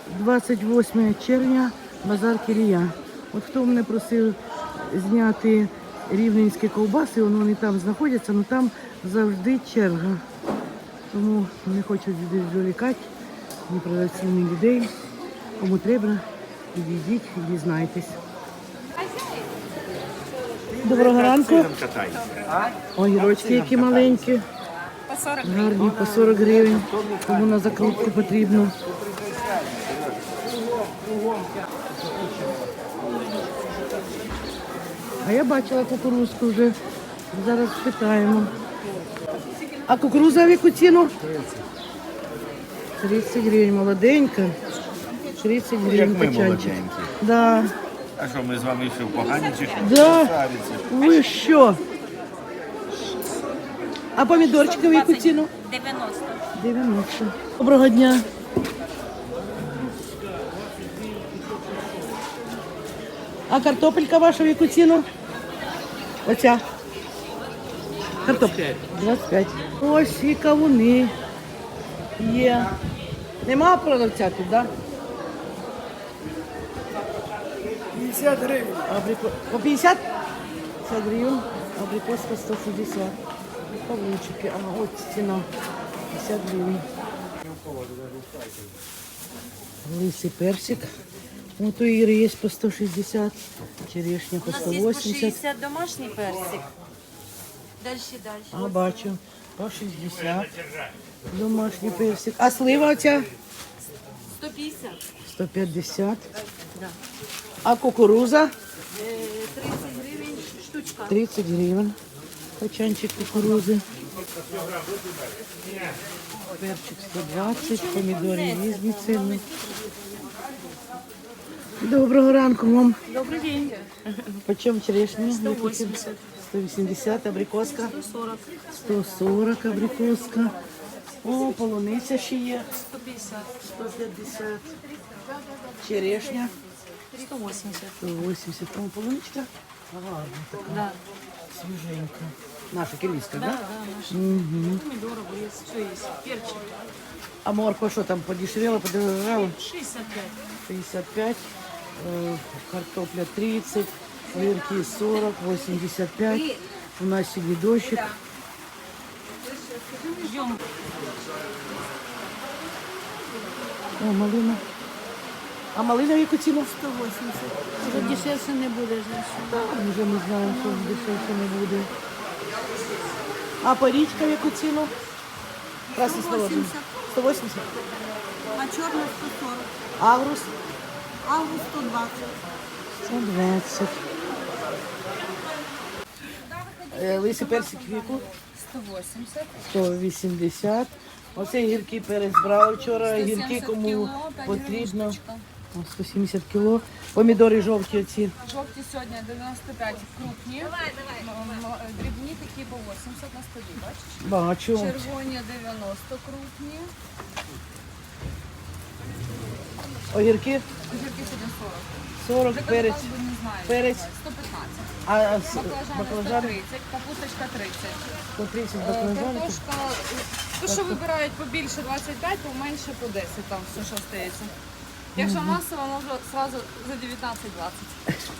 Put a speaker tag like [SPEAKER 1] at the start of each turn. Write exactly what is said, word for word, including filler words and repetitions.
[SPEAKER 1] двадцять восьме червня, базар Кілія. От хто мене просив зняти рівненські ковбаси, вони там знаходяться, але там завжди черга. Тому не хочу відволікати ні продавців, ні людей. Кому треба, підійдіть і дізнайтесь. Доброго ранку. Огірочки які маленькі. Гарні, по сорок гривень. Кому на закрутку потрібно. А я бачила кукурузку вже. Зараз спитаємо. А кукуруза в яку ціну? тридцять гривень, молоденька. тридцять гривень качанчик. Да.
[SPEAKER 2] А що, ми з вами ще погані чи що?
[SPEAKER 1] Да. Ви що? А помідорчики в яку ціну?
[SPEAKER 3] дев'яносто.
[SPEAKER 1] дев'яносто. Доброго дня. А картопелька ваша в яку ціну? Оця. Картопля. двадцять п'ять. Ось і кавуни є. Нема продавця тут, так? Да?
[SPEAKER 4] п'ятдесят гривень.
[SPEAKER 1] Абрико... По п'ятдесят? п'ятдесят гривень. Абрикоска сто шістдесят. Кавунчики. А ось ціна. п'ятдесят гривень. Лисий персик. Вот у Иры есть по сто шестьдесят. Черешня по
[SPEAKER 3] У нас
[SPEAKER 1] сто
[SPEAKER 3] є по
[SPEAKER 1] восемьдесят.
[SPEAKER 3] шістдесят домашній персик. Далі, далі.
[SPEAKER 1] А бачу. По шестьдесят. Домашний персик. А слива у тебя?
[SPEAKER 3] сто п'ятдесят.
[SPEAKER 1] сто пятьдесят.
[SPEAKER 3] Да.
[SPEAKER 1] А кукуруза?
[SPEAKER 3] Е, тридцять гривень штучка.
[SPEAKER 1] тридцать гривен. Качанчик кукурузи. Перчик сто двадцать. Помідори різні ціни. Доброго ранку вам.
[SPEAKER 3] Добрий день.
[SPEAKER 1] Почем черешня?
[SPEAKER 3] сто восемьдесят.
[SPEAKER 1] сто восемьдесят. Абрикоска?
[SPEAKER 3] сто сорок.
[SPEAKER 1] сто сорок абрикоска. О, полуниця ще є.
[SPEAKER 3] сто п'ятдесят.
[SPEAKER 1] сто п'ятдесят. Черешня.
[SPEAKER 3] сто восемьдесят.
[SPEAKER 1] сто восемьдесят. О, полуничка. Гарна така.
[SPEAKER 3] Да.
[SPEAKER 1] Свіженька. Наша кілійська,
[SPEAKER 3] Да,
[SPEAKER 1] да?
[SPEAKER 3] да, наш.
[SPEAKER 1] Угу.
[SPEAKER 3] Помидор, огурец, все есть. Перчик.
[SPEAKER 1] А морква що там, подешевела, подорожала?
[SPEAKER 3] шестьдесят пять.
[SPEAKER 1] шестьдесят пять. Э, картопля тридцать. Огірки сорок, восемьдесят пять. У нас сьогодні дощик.
[SPEAKER 3] Ждем.
[SPEAKER 1] О, малина. А малина в яку ціну?
[SPEAKER 3] сто восемьдесят. Вже дешевше не буде.
[SPEAKER 1] Так, вже ми знаємо, що дешевше не буде. А порічка в яку ціну? Красний
[SPEAKER 3] сто восемьдесят.
[SPEAKER 1] сто восемьдесят.
[SPEAKER 3] А чорна сто сорок.
[SPEAKER 1] Агрус?
[SPEAKER 3] Август сто двадцать.
[SPEAKER 1] сто двадцять. Е, Лисий персик в яку?
[SPEAKER 3] сто восемьдесят.
[SPEAKER 1] сто вісімдесят. Оце гіркий перець брали вчора. Гірки кому потрібно. О, сто сімдесят кіло. Помідори жовті оці.
[SPEAKER 5] Жовті сьогодні дев'яносто п'ять крупні, м- м- дрібні такі по вісімдесят на столі, бачиш?
[SPEAKER 1] Бачу.
[SPEAKER 5] Червоні дев'яносто крупні,
[SPEAKER 1] Огірки
[SPEAKER 5] огірки сьогодні сорок.
[SPEAKER 1] сорок,
[SPEAKER 5] Вже
[SPEAKER 1] перець.
[SPEAKER 5] картоплю не знаю.
[SPEAKER 1] перець.
[SPEAKER 5] сто п'ятнадцять.
[SPEAKER 1] А с-
[SPEAKER 5] Баклажани сто
[SPEAKER 1] баклажани
[SPEAKER 5] тридцять, капусточка тридцять.
[SPEAKER 1] сто тридцять
[SPEAKER 5] Е,
[SPEAKER 1] баклажани.
[SPEAKER 5] Картошка, то що вибирають побільше двадцять п'ять, поменше по десять, там все, що стається. Якщо масово, може одразу за дев'ятнадцять двадцять.